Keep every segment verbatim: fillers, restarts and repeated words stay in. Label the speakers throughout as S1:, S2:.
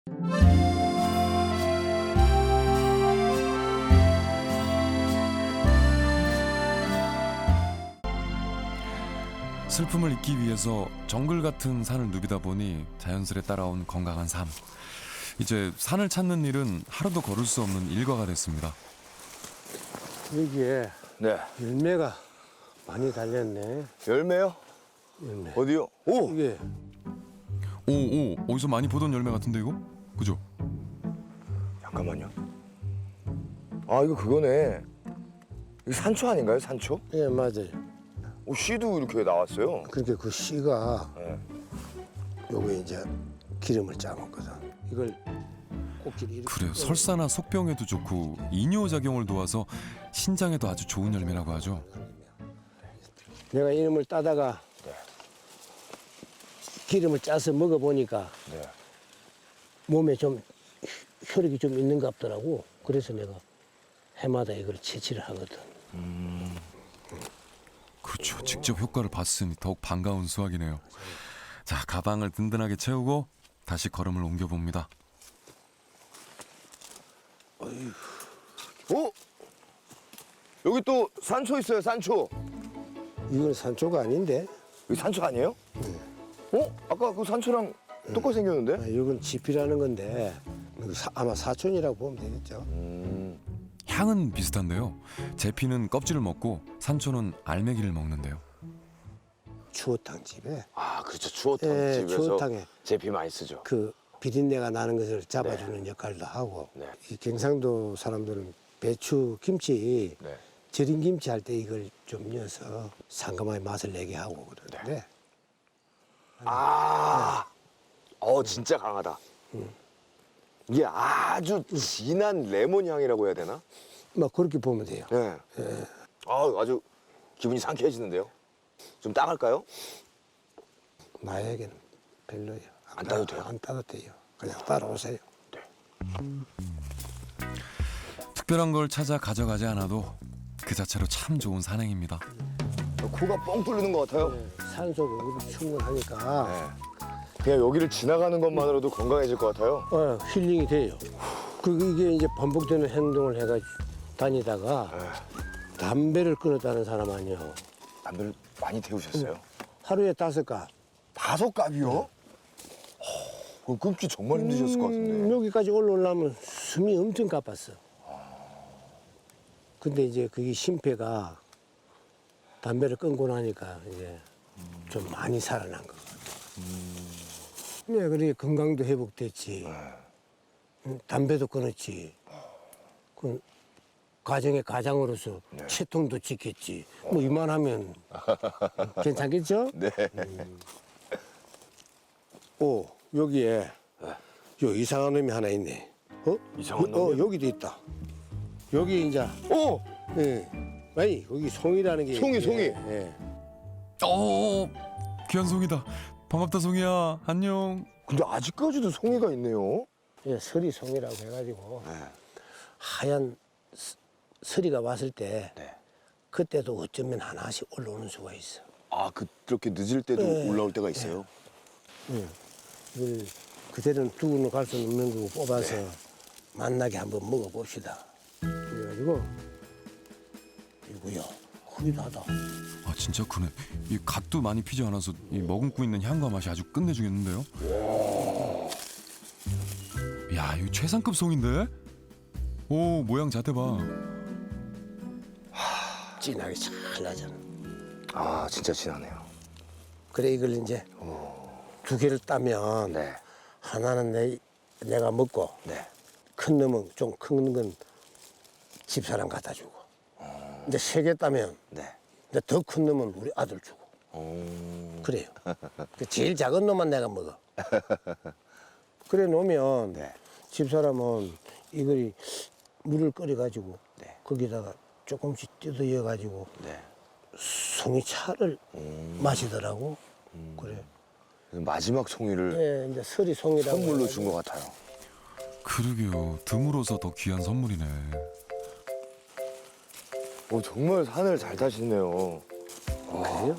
S1: 슬픔을 잊기 위해서 정글 같은 산을 누비다 보니 자연스레 따라온 건강한 삶. 이제 산을 찾는 일은 하루도 걸을 수 없는 일과가 됐습니다.
S2: 여기에
S3: 네.
S2: 열매가 많이 달렸네.
S3: 열매요?
S2: 열매.
S3: 어디요? 오!
S2: 이게
S1: 오, 오, 어디서 많이 보던 열매 같은데 이거? 그죠?
S3: 잠깐만요. 아, 이거 그거네. 이거 산초 아닌가요? 산초?
S2: 예 맞아요.
S3: 오, 씨도 이렇게 나왔어요.
S2: 그렇게 그 씨가
S3: 네.
S2: 요게 이제 기름을 짜먹거든. 이걸 꼭지를 이렇게
S1: 그래요.
S2: 뜯어서
S1: 설사나 속병에도 좋고 이뇨 작용을 도와서 신장에도 아주 좋은 열매라고 하죠.
S2: 내가 이놈을 따다가
S3: 네.
S2: 기름을 짜서 먹어보니까
S3: 네.
S2: 몸에 좀 혈액이 좀 있는 것 같더라고. 그래서 내가 해마다 이걸 채취를 하거든.
S1: 그렇죠. 직접 효과를 봤으니 더욱 반가운 수확이네요. 자, 가방을 든든하게 채우고 다시 걸음을 옮겨봅니다.
S3: 오! 여기 또 산초 있어요, 산초.
S2: 이건 산초가 아닌데.
S3: 여기 산초 아니에요? 어? 아까 그 산초랑 똑같이 생겼는데?
S2: 아, 이건 지피라는 건데 이거 사- 아마 사촌이라고 보면 되겠죠.
S3: 음.
S1: 향은 비슷한데요. 제피는 껍질을 먹고 산초는 알맹이를 먹는데요.
S2: 추어탕 집에
S3: 아, 그렇죠. 추어탕
S2: 예,
S3: 집에서
S2: 추어탕에
S3: 제피 많이 쓰죠.
S2: 그 비린내가 나는 것을 잡아주는 역할도 하고
S3: 네.
S2: 이 경상도 사람들은 배추 김치
S3: 네.
S2: 절인 김치 할 때 이걸 좀 넣어서 상큼하게 맛을 내게 하고 그러는데
S3: 아, 어, 진짜 강하다. 이게 아주 진한 레몬 향이라고 해야 되나?
S2: 막 그렇게 보면 돼요.
S3: 네. 아, 아주 기분이 상쾌해지는데요. 좀 따갈까요?
S2: 나에게는 별로예요.
S3: 안 따도 돼요?
S2: 안 따도 돼요. 그냥 따라오세요.
S1: 특별한 걸 찾아 가져가지 않아도 그 자체로 참 좋은 산행입니다.
S3: 코가 뻥 뚫리는 것 같아요.
S2: 산소가 우리 충분하니까
S3: 네. 그냥 여기를 지나가는 것만으로도 건강해질 것 같아요.
S2: 어, 힐링이 돼요. 그 이게 이제 반복되는 행동을 해가 다니다가 담배를 끊었다는 사람 아니에요.
S3: 담배를 많이 태우셨어요?
S2: 하루에 다섯 갑.
S3: 다섯 갑이요? 그거 끊기 정말 힘드셨을 것 같은데.
S2: 음, 여기까지 올라오려면 숨이 엄청 가빴어. 근데 이제 그게 심폐가 담배를 끊고 나니까 이제 좀 많이 살아난 것 같아. 네, 그래 건강도 회복됐지. 음, 담배도 끊었지. 그 가정의 가장으로서 채통도 지켰지. 뭐 이만하면 괜찮겠죠?
S3: 네.
S2: 오, 여기에 요 이상한 놈이 하나 있네. 어?
S3: 이상한
S2: 어,
S3: 놈이요?
S2: 여기도 있다. 여기 이제
S3: 오!
S2: 예. 아니, 거기 송이라는 게
S3: 송이,
S2: 있-
S3: 송이.
S2: 예, 예.
S1: 오, 귀한 송이다. 반갑다 송이야. 안녕.
S3: 근데 아직까지도 송이가 있네요.
S2: 예, 서리 송이라고 해가지고
S3: 네.
S2: 하얀 스- 서리가 왔을 때
S3: 네.
S2: 그때도 어쩌면 하나씩 올라오는 수가 있어.
S3: 아, 그, 그렇게 늦을 때도
S2: 네.
S3: 올라올 때가 있어요?
S2: 예. 이걸 그대로는 두고는 갈 수는 없는 거고 뽑아서 맛나게 한번 먹어봅시다. 그래가지고 이거요, 크기도 하다.
S1: 아, 진짜 크네. 이 갓도 많이 피지 않아서 이 머금고 있는 향과 맛이 아주 끝내주겠는데요. 야, 이거 최상급 송인데? 오, 모양 자태 봐.
S2: 진하게 잘 나잖아.
S3: 아, 진짜 진하네요.
S2: 그래 이걸 이제 두 개를 따면
S3: 네.
S2: 하나는 내, 내가 먹고
S3: 네.
S2: 큰 놈은 좀 큰 건 집사람 갖다 주고 이제 세 개 따면
S3: 네.
S2: 이제 더 큰 놈은 우리 아들 주고
S3: 오.
S2: 그래요. 그 제일 작은 놈만 내가 먹어. 그래 놓으면
S3: 네.
S2: 집사람은 이걸 물을 끓여 가지고
S3: 네.
S2: 거기다가 조금씩 뜯어여 가지고
S3: 네.
S2: 송이차를 마시더라고. 그래.
S3: 마지막 송이를
S2: 예, 이제 서리 송이라고
S3: 선물로
S2: 해가지고.
S3: 준 것 같아요.
S1: 그러게요. 드물어서 더 귀한 선물이네.
S3: 오, 정말 산을 잘 타시네요.
S2: 그래요?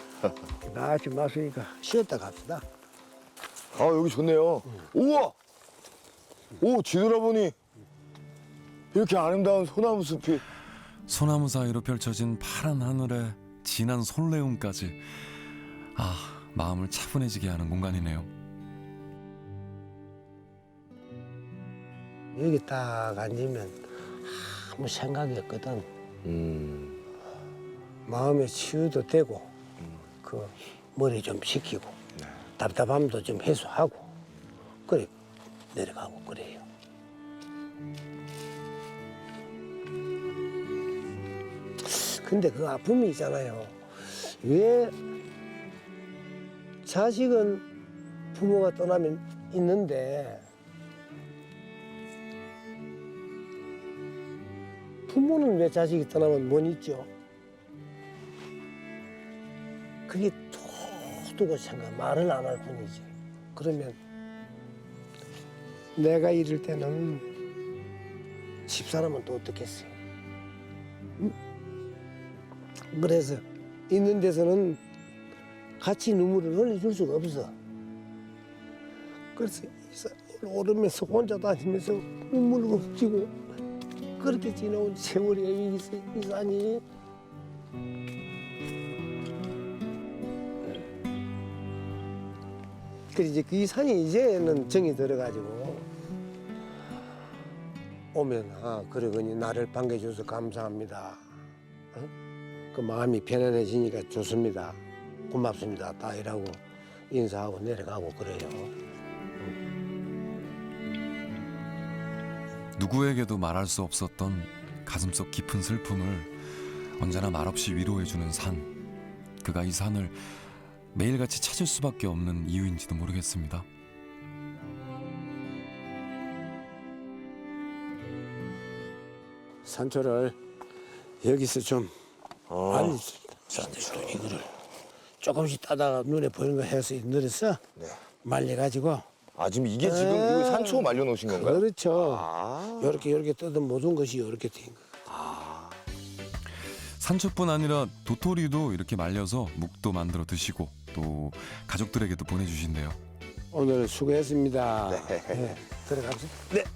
S2: 나 지금 마시니까 쉬었다 갑시다.
S3: 아, 여기 좋네요. 우와! 오, 뒤돌아보니 이렇게 아름다운 소나무 숲이.
S1: 소나무 사이로 펼쳐진 파란 하늘에 진한 솔레움까지. 아, 마음을 차분해지게 하는 공간이네요.
S2: 여기 딱 앉으면 아무 생각이 없거든.
S3: 음.
S2: 마음의 치유도 되고 그 머리 좀 식히고 답답함도 좀 해소하고 그래 내려가고 그래요. 근데 그 아픔이 있잖아요. 왜 자식은 부모가 떠나면 있는데 부모는 왜 자식이 떠나면 못 있죠? 그게 도두고 생각 말을 안 할 뿐이지. 그러면 내가 이럴 때는 집사람은 또 어떻겠어요? 응? 그래서 있는 데서는 같이 눈물을 흘려줄 수가 없어. 그래서 오르면서 혼자 다니면서 눈물을 훔치고 그렇게 지나온 세월이에요, 이, 이 산이. 그래서 이제 그 산이 이제는 정이 들어가지고 오면 아 그러거니 나를 반겨줘서 감사합니다. 어? 그 마음이 편안해지니까 좋습니다. 고맙습니다. 다 이라고 인사하고 내려가고 그래요.
S1: 누구에게도 말할 수 없었던 가슴속 깊은 슬픔을 언제나 말없이 위로해주는 산. 그가 이 산을 매일같이 찾을 수밖에 없는 이유인지도 모르겠습니다.
S2: 산초를 여기서 좀
S3: 어.
S2: 많이 산초 이거를 조금씩 따다가 눈에 보이는 거 해서 늘어서
S3: 네.
S2: 말려가지고
S3: 아, 지금 이게 지금
S2: 아,
S3: 이거 산초 말려 놓으신 건가요?
S2: 그렇죠.
S3: 아.
S2: 요렇게 요렇게 뜯은 모든 것이 요렇게 된 거.
S3: 아.
S1: 산초뿐 아니라 도토리도 이렇게 말려서 묵도 만들어 드시고 또 가족들에게도 보내주신대요.
S2: 오늘 수고했습니다.
S3: 네.
S2: 네, 들어갑시다.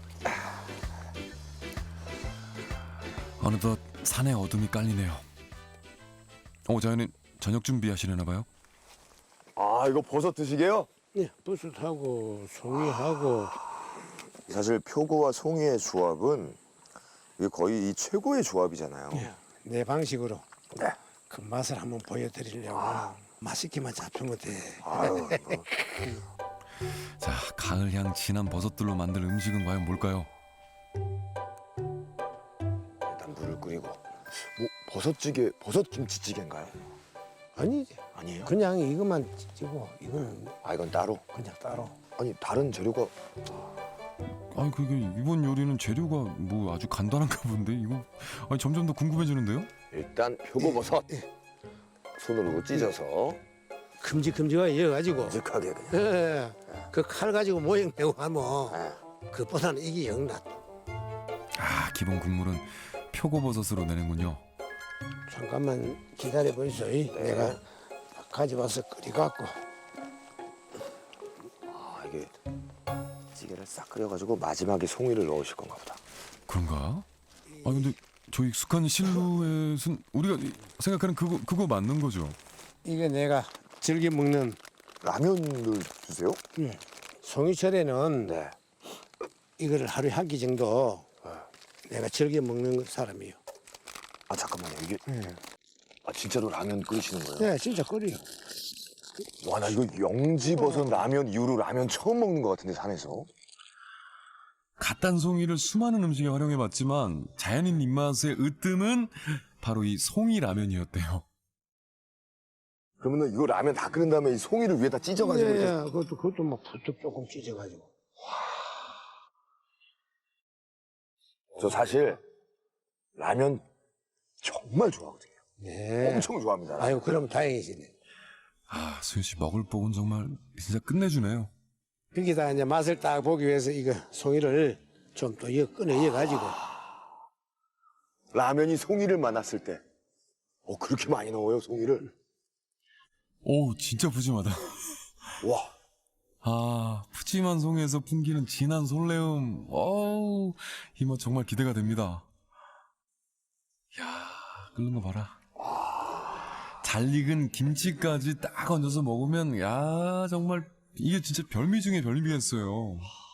S1: 어느덧 산에 어둠이 깔리네요. 오, 자연인 저녁 준비하시려나 봐요?
S3: 아, 이거 버섯 드시게요?
S2: 네, 버섯하고 송이하고
S3: 사실 표고와 송이의 조합은 이게 거의 이 최고의 조합이잖아요.
S2: 내 방식으로
S3: 네.
S2: 그 맛을 한번 보여드리려고 맛있게만 잡힌 것 같아.
S3: 아유, 뭐.
S1: 자, 가을향 진한 버섯들로 만들 음식은 과연 뭘까요?
S3: 일단 물을 끓이고. 뭐 버섯찌개, 버섯 김치찌개인가요?
S2: 아니지.
S3: 아니에요?
S2: 그냥 이것만 찌고 이거는
S3: 아, 이건 따로.
S2: 그냥 따로.
S3: 아니, 다른 재료가
S1: 아니 그게 이번 요리는 재료가 뭐 아주 간단한가 본데 이거 아니 점점 더 궁금해지는데요?
S3: 일단 표고버섯 손으로 찢어서
S2: 큼직큼직하게 이어가지고
S3: 묵직하게 그냥.
S2: 예, 그칼 가지고 모형 내고 하면
S3: 네.
S2: 그보다는 이게 영낫.
S1: 아, 기본 국물은 표고버섯으로 내는군요.
S2: 잠깐만 기다려 보이소. 내가 가져와서 끓여갖고.
S3: 아, 이게 찌개를 싹 끓여가지고 마지막에 송이를 넣으실 건가 보다.
S1: 그런가? 아 근데 저 익숙한 실루엣은 우리가 생각하는 그거 그거 맞는 거죠?
S2: 이게 내가 즐겨 먹는
S3: 라면을 주세요?
S2: 예. 송이철에는
S3: 네.
S2: 이거를 하루에 한 끼 정도
S3: 네.
S2: 내가 즐겨 먹는 사람이에요.
S3: 아, 잠깐만요. 이게
S2: 예.
S3: 아, 진짜로 라면 끓이시는 거예요?
S2: 네, 진짜 끓여.
S3: 와, 나 이거 영지버섯 라면 이후로 라면 처음 먹는 것 같은데, 산에서.
S1: 갓단 송이를 수많은 음식에 활용해봤지만 자연인 입맛의 으뜸은 바로 이 송이 라면이었대요.
S3: 그러면은 이거 라면 다 끓인 다음에 이 송이를 위에다 찢어가지고
S2: 예,
S3: 이렇게.
S2: 예, 그것도 그것도 막 부쩍 조금 찢어가지고.
S3: 저 사실 라면 정말 좋아하거든요.
S2: 네.
S3: 엄청 좋아합니다.
S2: 아유, 그러면 다행이시네.
S1: 아, 수현 씨 먹을 복은 정말 진짜 끝내주네요.
S2: 거기다 이제 맛을 딱 보기 위해서 이거 송이를 좀 또 이어 꺼내 이어가지고.
S3: 라면이 송이를 만났을 때, 어, 그렇게 많이 넣어요, 송이를?
S1: 오, 진짜 푸짐하다.
S3: 와,
S1: 아, 푸짐한 송이에서 풍기는 진한 솔레움. 어우, 이 맛 정말 기대가 됩니다. 야, 끓는 거 봐라. 잘 익은 김치까지 딱 얹어서 먹으면, 야, 정말 이게 진짜 별미 중에 별미겠어요.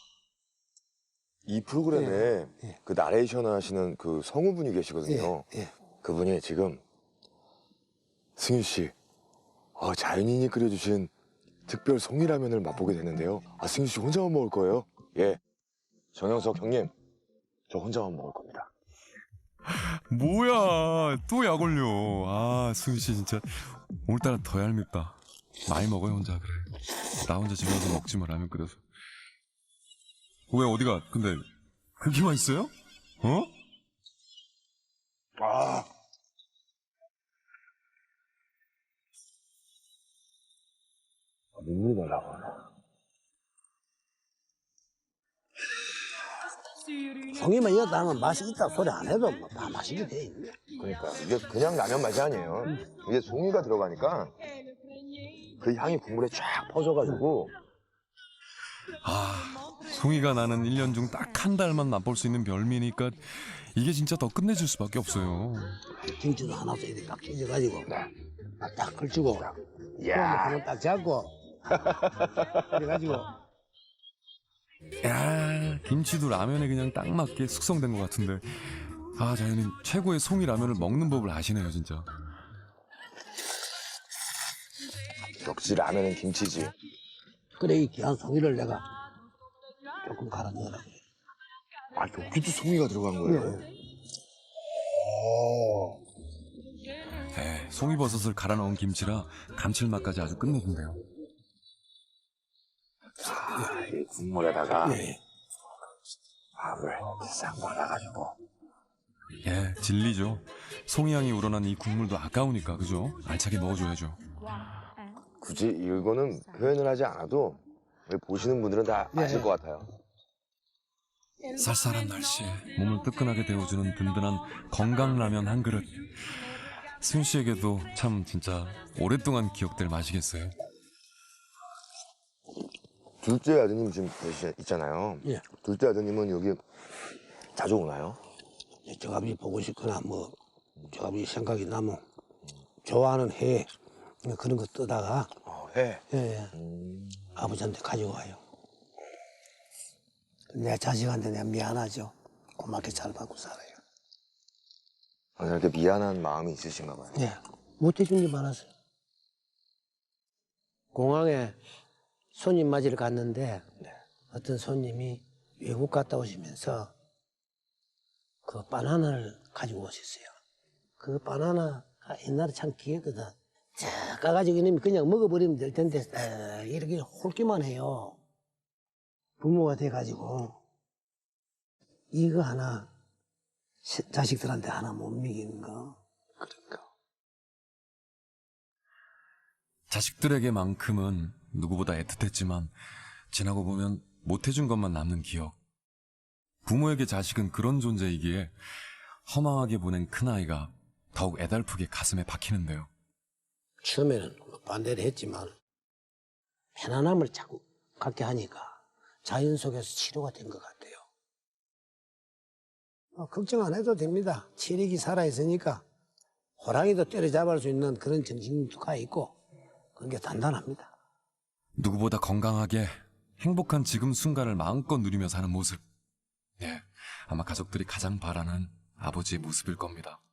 S3: 이 프로그램에
S2: 예, 예.
S3: 그 나레이션 하시는 그 성우분이 계시거든요.
S2: 예, 예.
S3: 그분이 지금 승윤 씨, 어, 자연인이 끓여주신 특별 송이라면을 맛보게 됐는데요. 아, 승윤 씨 혼자만 먹을 거예요? 예. 정영석 형님, 저 혼자만 먹을 겁니다.
S1: 뭐야, 또 약 올려. 아, 수윤 씨 진짜 오늘따라 더 얄밉다. 많이 먹어요, 혼자. 그래. 나 혼자 집에 와서 먹지 마, 라면 끓여서. 왜, 어디가? 근데 그렇게 맛있어요? 어?
S3: 아, 눈물이 나려고.
S2: 송이만 이었다 하면 맛이 있다 소리 안 해도 뭐 다 맛있게 돼 있네.
S3: 그러니까 이게 그냥 라면 맛이 아니에요. 이게 송이가 들어가니까 그 향이 국물에 쫙 퍼져가지고
S1: 아, 송이가 나는 일 년 중 딱 한 달만 맛볼 수 있는 별미니까 이게 진짜 더 끝내줄 수밖에 없어요.
S2: 김치도 하나 써 이렇게 딱 찢어가지고 딱 걸치고
S3: 야.
S2: 한번 딱 잡고 그래가지고
S1: 야, 김치도 라면에 그냥 딱 맞게 숙성된 것 같은데. 아, 자연인 최고의 송이 라면을 먹는 법을 아시네요, 진짜.
S3: 역시 라면은 김치지.
S2: 그래 이 귀한 송이를 내가 조금 갈아 넣으라고.
S3: 아, 여기도 송이가 들어간 거예요? 오.
S1: 네, 송이버섯을 갈아 넣은 김치라 감칠맛까지 아주 끝내준대요.
S3: 아, 이 국물에다가
S2: 예.
S3: 밥을 싹 말아가지고.
S1: 예, 진리죠. 송이향이 우러난 이 국물도 아까우니까, 그죠? 알차게 먹어줘야죠.
S3: 굳이 이거는 표현을 하지 않아도 보시는 분들은 다
S2: 예.
S3: 아실 것 같아요.
S1: 쌀쌀한 날씨에 몸을 뜨끈하게 데워주는 든든한 건강라면 한 그릇. 승 씨에게도 참 진짜 오랫동안 기억될 맛이겠어요.
S3: 둘째 아드님 지금 계시 있잖아요.
S2: 예.
S3: 둘째 아드님은 여기 자주 오나요?
S2: 저갑이 보고 싶거나 뭐 저갑이 생각이 나면 좋아하는 해 그런 거 뜨다가
S3: 어, 해.
S2: 예, 예.
S3: 음.
S2: 아버지한테 가지고 와요. 내 자식한테 내가 미안하죠. 고맙게 잘 받고 살아요.
S3: 아, 이렇게 미안한 마음이 있으신가 봐요.
S2: 예. 못해준 게 많았어요. 공항에 손님 맞이를 갔는데 어떤 손님이 외국 갔다 오시면서 그 바나나를 가지고 오셨어요. 그 바나나가 옛날에 참 귀했거든. 자, 까가지고 이놈이 그냥 먹어버리면 될 텐데 에, 이렇게 홀기만 해요. 부모가 돼가지고 이거 하나 시- 자식들한테 하나 못 먹이는 거. 그러니까.
S1: 자식들에게만큼은 누구보다 애틋했지만 지나고 보면 못해준 것만 남는 기억. 부모에게 자식은 그런 존재이기에 허망하게 보낸 큰아이가 더욱 애달프게 가슴에 박히는데요.
S2: 처음에는 반대를 했지만 편안함을 자꾸 갖게 하니까 자연 속에서 치료가 된 것 같아요. 어, 걱정 안 해도 됩니다. 체력이 살아있으니까 호랑이도 때려잡을 수 있는 그런 정신가 있고 그게 단단합니다.
S1: 누구보다 건강하게 행복한 지금 순간을 마음껏 누리며 사는 모습. 예, 아마 가족들이 가장 바라는 아버지의 모습일 겁니다.